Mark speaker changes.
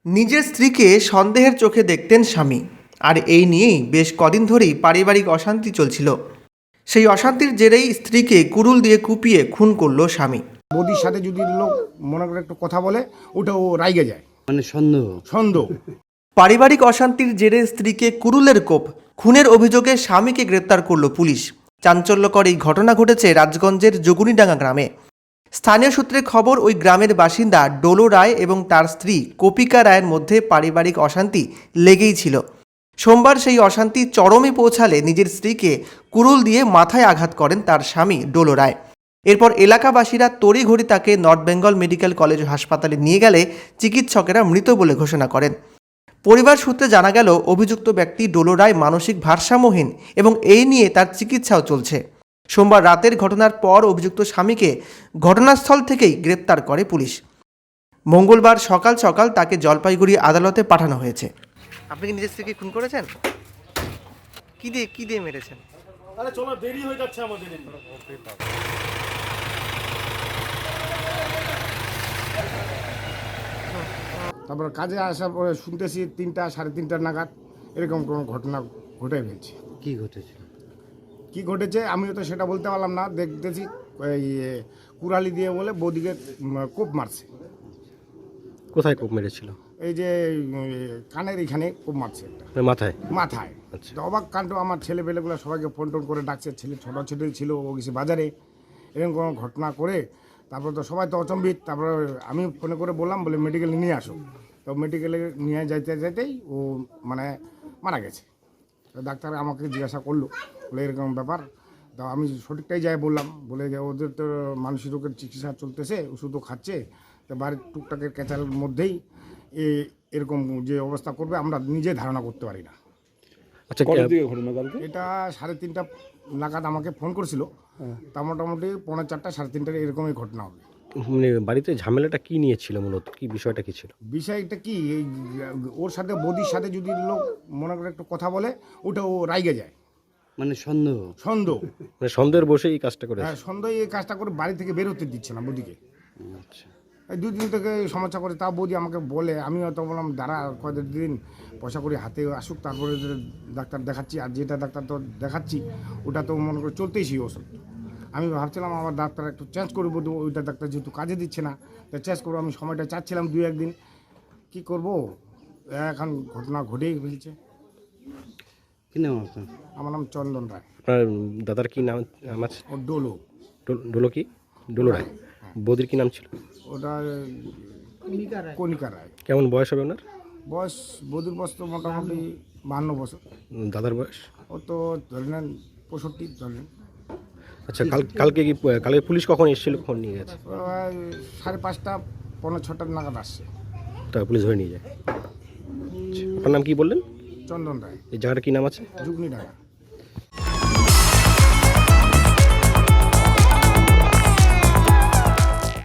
Speaker 1: নিজের স্ত্রীকে সন্দেহের চোখে দেখতেন স্বামী, আর এই নিয়েই বেশ কদিন ধরেই পারিবারিক অশান্তি চলছিল। সেই অশান্তির জেরেই স্ত্রীকে কুড়ুল দিয়ে কুপিয়ে খুন করল স্বামী।
Speaker 2: বৌদির সাথে যদি লোক মনে করে একটু কথা বলে ওটা ও রাইগে যায়,
Speaker 3: মানে সন্দেহ
Speaker 2: সন্দেহ।
Speaker 1: পারিবারিক অশান্তির জেরে স্ত্রীকে কুড়ুলের কোপ, খুনের অভিযোগে স্বামীকে গ্রেপ্তার করল পুলিশ। চাঞ্চল্যকর এই ঘটনা ঘটেছে রাজগঞ্জের যোগুনিডাঙ্গা গ্রামে। স্থানীয় সূত্রে খবর, ওই গ্রামের বাসিন্দা ডোলো রায় এবং তার স্ত্রী কপিকা রায়ের মধ্যে পারিবারিক অশান্তি লেগেই ছিল। সোমবার সেই অশান্তি চরমে পৌঁছালে নিজের স্ত্রীকে কুড়ুল দিয়ে মাথায় আঘাত করেন তার স্বামী ডোলো রায়। এরপর এলাকাবাসীরা তড়িঘড়ি তাকে নর্থ বেঙ্গল মেডিকেল কলেজ হাসপাতালে নিয়ে গেলে চিকিৎসকেরা মৃত বলে ঘোষণা করেন। পরিবার সূত্রে জানা গেল, অভিযুক্ত ব্যক্তি ডোলো রায় মানসিক ভারসাম্যহীন এবং এই নিয়ে তার চিকিৎসাও চলছে। সোমবার রাতের ঘটনার পর অভিযুক্ত স্বামীকে ঘটনাস্থল থেকেই গ্রেপ্তার করে পুলিশ। মঙ্গলবার সকাল সকাল তাকে জলপাইগুড়ি আদালতে পাঠানো হয়েছে। আপনি কি নিজের স্ত্রীকে খুন করেছেন? কি দিয়ে মেরেছেন?
Speaker 4: আরে চলো, দেরি হয়ে যাচ্ছে আমাদের।
Speaker 2: তারপর কাজে আসার পরে শুনতেছি 3টা সাড়ে 3টা নাগাদ এরকম কোনো ঘটনা ঘটে ফেলছে।
Speaker 3: কি ঘটেছে?
Speaker 2: কি ঘটেছে আমিও তো সেটা বলতে পারলাম না। দেখতেছি এই কুড়ালি দিয়ে বলে বৌদিকে কোপ মারছে।
Speaker 3: কোথায় কোপ মেরেছিল?
Speaker 2: এই যে কানের এখানে কোপ মারছে একটা,
Speaker 3: মাথায়?
Speaker 2: মাথায়।
Speaker 3: আচ্ছা।
Speaker 2: তো অবাক কাণ্ড, আমার ছেলেপেলেগুলো সবাইকে ফোন টোন করে ডাকছে। ছেলে ছোটো ছেলে ছিল, ও গেছে বাজারে, এরকম কোনো ঘটনা করে তারপর তো সবাই তো অচম্বিত। তারপরে আমি ফোনে করে বললাম, বলে মেডিকেলে নিয়ে আসো। তো মেডিকেলে নিয়ে যাইতে যাইতেই ও মানে মারা গেছে। তো ডাক্তার আমাকে জিজ্ঞাসা করলো, বলে এরকম ব্যাপার। তো আমি সঠিকটাই যাই বললাম, বলে যে ওদের তো মানসিক রোগের চিকিৎসা চলতেছে, ওষুধও খাচ্ছে, তো বাড়ির টুকটাকের ক্যাচালের মধ্যেই এরকম যে অবস্থা করবে আমরা নিজে ধারণা করতে পারি না।
Speaker 3: আচ্ছা,
Speaker 2: এটা 3:30 নাগাদ আমাকে ফোন করছিল। তা মোটামুটি 4:45 3:30 এরকমই ঘটনা হবে।
Speaker 3: মানে বাড়িতে ঝামেলাটা কি নিয়ে ছিল, মূলত কি বিষয়টা কি ছিল?
Speaker 2: বিষয়টা কি, এই ওর সাথে বৌদির সাথে যদি লোক মনে করে একটু কথা বলে ওটা ও রাইগে যায়,
Speaker 3: মানে সন্দেহ?
Speaker 2: সন্দেহ।
Speaker 3: মানে সন্দেহের বসে এই কাজটা করেছে?
Speaker 2: হ্যাঁ, সন্দেহ। এই কাজটা করে বাড়ি থেকে বের হতে দিচ্ছে না বৌদিকে।
Speaker 3: আচ্ছা।
Speaker 2: এই 2 দিন থেকে সমস্যা করে। তা বৌদি আমাকে বলে, আমি হয়তো বললাম দাঁড়া কয়েকদিন পয়সা করে হাতে আসুক, তারপরে ডাক্তার দেখাচ্ছি। আর যেটা ডাক্তার তো দেখাচ্ছি ওটা তো মনে করে চলতেই সেই ওষুধ। আমি ভাবছিলাম আমার ডাক্তার একটু চেঞ্জ করবো, ওইটা ডাক্তার যেহেতু কাজে দিচ্ছে না, তো চেঞ্জ করবো। আমি সময়টা চাচ্ছিলাম 2-1 দিন। কী করবো, এখন ঘটনা ঘটেই ফেলছে।
Speaker 3: কি নাম আপনার?
Speaker 2: আমার নাম চন্দন রায়।
Speaker 3: আপনার দাদার কি নাম আছে?
Speaker 2: ও ডোলো।
Speaker 3: ডোলো কি? ডোলো রায়। বৌদির কি নাম ছিল?
Speaker 2: ওটা কণিকা রায়।
Speaker 3: কেমন বয়স হবে ওনার?
Speaker 2: বয়স, বৌদির বয়স তো মোটামুটি 52 বছর।
Speaker 3: দাদার বয়স?
Speaker 2: ও তো ধরে নেন 65 ধরে নেন।
Speaker 3: আচ্ছা, কালকে পুলিশ কখন এসেছিল, কখন নিয়ে গেছে?
Speaker 2: 5:30 5:45 নাগাদ আসছে।
Speaker 3: তা পুলিশ ধরে নিয়ে যায়? আচ্ছা, আপনার নাম কি বললেন?
Speaker 2: চন্দন রায়।
Speaker 3: এই জায়গাটা কি নাম আছে?
Speaker 2: যুগনি ঢাকা।